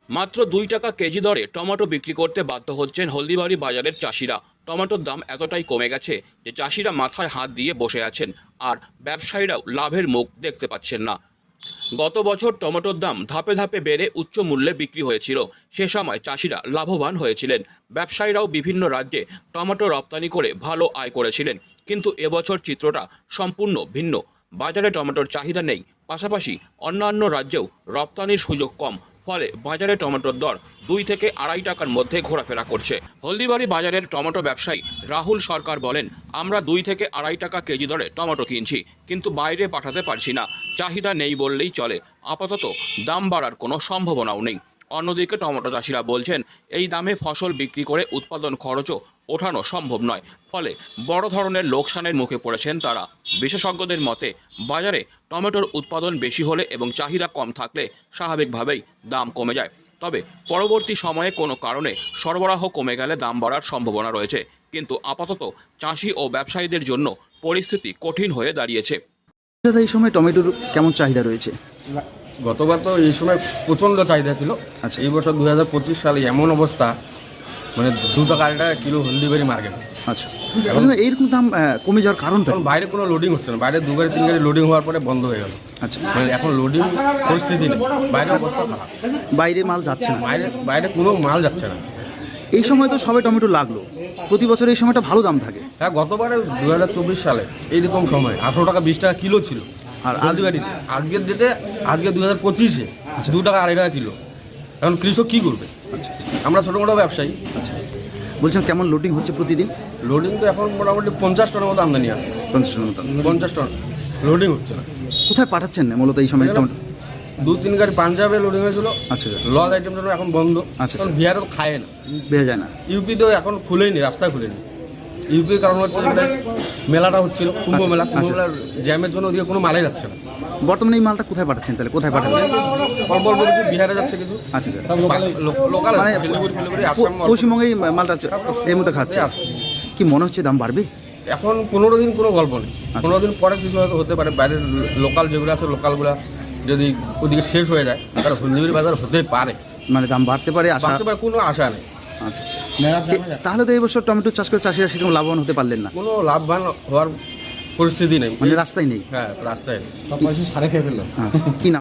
মাত্র 2 টাকা কেজি দরে টমেটো বিক্রি করতে বাধ্য হচ্ছেন হলদিবাড়ি বাজারের চাষিরা। টমেটোর দাম এতটাই কমে গেছে যে চাষিরা মাথায় হাত দিয়ে বসে আছেন, আর ব্যবসায়ীরাও লাভের মুখ দেখতে পাচ্ছেন না। গত বছর টমেটোর দাম ধাপে ধাপে বেড়ে উচ্চ মূল্যে বিক্রি হয়েছিল। সে সময় চাষিরা লাভবান হয়েছিলেন। ব্যবসায়ীরাও বিভিন্ন রাজ্যে টমেটো রপ্তানি করে ভালো আয় করেছিলেন। কিন্তু এবছর চিত্রটা সম্পূর্ণ ভিন্ন। বাজারে টমেটোর চাহিদা নেই, পাশাপাশি অন্যান্য রাজ্যেও রপ্তানির সুযোগ কম। ফলে বাজারে টমেটোর দর 2 থেকে 2.5 টাকার মধ্যে ঘোরাফেরা করছে। হলদিবাড়ি বাজারের টমেটো ব্যবসায়ী রাহুল সরকার বলেন, আমরা 2 থেকে 2.5 টাকা কেজি দরে টমেটো কিনছি, কিন্তু বাইরে পাঠাতে পারছি না। চাহিদা নেই বললেই চলে। আপাতত দাম বাড়ার কোনো সম্ভাবনাও নেই। অন্যদিকে টমেটো চাষিরা বলছেন, এই দামে ফসল বিক্রি করে উৎপাদন খরচও ওঠানো সম্ভব নয়। ফলে বড় ধরনের লোকসানের মুখে পড়েছেন তারা। বিশেষজ্ঞদের মতে, বাজারে টমেটোর উৎপাদন বেশি হলে এবং চাহিদা কম থাকলে স্বাভাবিকভাবেই দাম কমে যায়। তবে পরবর্তী সময়ে কোনো কারণে সরবরাহ কমে গেলে দাম বাড়ার সম্ভাবনা রয়েছে। কিন্তু আপাতত চাষি ও ব্যবসায়ীদের জন্য পরিস্থিতি কঠিন হয়ে দাঁড়িয়েছে। দাদা, এই সময় টমেটোর কেমন চাহিদা রয়েছে? গতবার তো এই সময় প্রচণ্ড চাহিদা ছিল। আচ্ছা। এই বছর 2025 সালে এমন অবস্থা, মানে 2 টাকা 2.5 টাকা কিলো হলদিবাড়ি মার্কেট। আচ্ছা, এখন এইরকম দাম কমে যাওয়ার কারণটা এখন বাইরে কোনো লোডিং হচ্ছে না। বাইরে 2 গাড়ি 3 গাড়ি লোডিং হওয়ার পরে বন্ধ হয়ে গেল। আচ্ছা, মানে এখন লোডিং পরিস্থিতি নেই, বাইরে অবস্থা খারাপ। বাইরে মাল যাচ্ছে না। বাইরে কোনো মাল যাচ্ছে না। এই সময় তো সবে টমেটো লাগলো, প্রতি বছর এই সময়টা ভালো দাম থাকে। হ্যাঁ, গতবারে 2024 সালে এইরকম সময় 18 টাকা 20 টাকা কিলো ছিল। আর আজ গাড়িতে আজকের ডেটে, আজকে 2025-এ 2 টাকা 2.5 টাকা কিলো। এখন কৃষক কী করবে? আচ্ছা, আমরা ছোটো মোটো ব্যবসায়ী। আচ্ছা, বলছেন কেমন লোডিং হচ্ছে প্রতিদিন? লোডিং তো এখন মোটামুটি 50 টনের মতো আমদানি আছে। 50 টনের মতো। 50 টন লোডিং হচ্ছে না। কোথায় পাঠাচ্ছেন না মূলত এই সময় টমেটো? 2-3 গাড়ি পাঞ্জাবে লোডিং হয়েছিল। আচ্ছা, লজ আইটেম জন্য এখন বন্ধ। আচ্ছা, কারণ বিহারে তো খায় না, বেড়ে যায় না। ইউপিতেও এখন খুলেনি, রাস্তায় খুলেনি। ইউপির কারণ হচ্ছে এখানে মেলাটা হচ্ছিল, কুম্ভ মেলা। কুম্ভ মেলার জ্যামের জন্য ওদিকে কোনো মালাই যাচ্ছে না। বর্তমানে এই মালটা কোথায় পাঠাচ্ছেন তাহলে? কোথায় পাঠাবেন? অল্প অল্প কিছু বিহারে যাচ্ছে, কিছু আচ্ছা, আচ্ছা, লোকাল মানে পশ্চিমবঙ্গে এই মালটা এই মতো খাচ্ছে। কি মনে হচ্ছে দাম বাড়বে? এখন 15 দিন কোনো গল্প নেই। 15 দিন পরে কিছু হয়তো হতে পারে। বাইরের লোকাল যেগুলো আছে, লোকালগুলো যদি ওদিকে শেষ হয়ে যায়, তাহলে হলদিবাড়ি বাজার হতে পারে, মানে দাম বাড়তে পারে, আশা। বাড়তে পারে, কোনো আশা নেই। আচ্ছা, তাহলে তো এই বছর টমেটো চাষ করে চাষিরা সেরকম লাভবান হতে পারলেন না। কোনো লাভবান হওয়ার পরিস্থিতি নেই, মানে রাস্তায় নেই। হ্যাঁ, রাস্তায় কি নাম?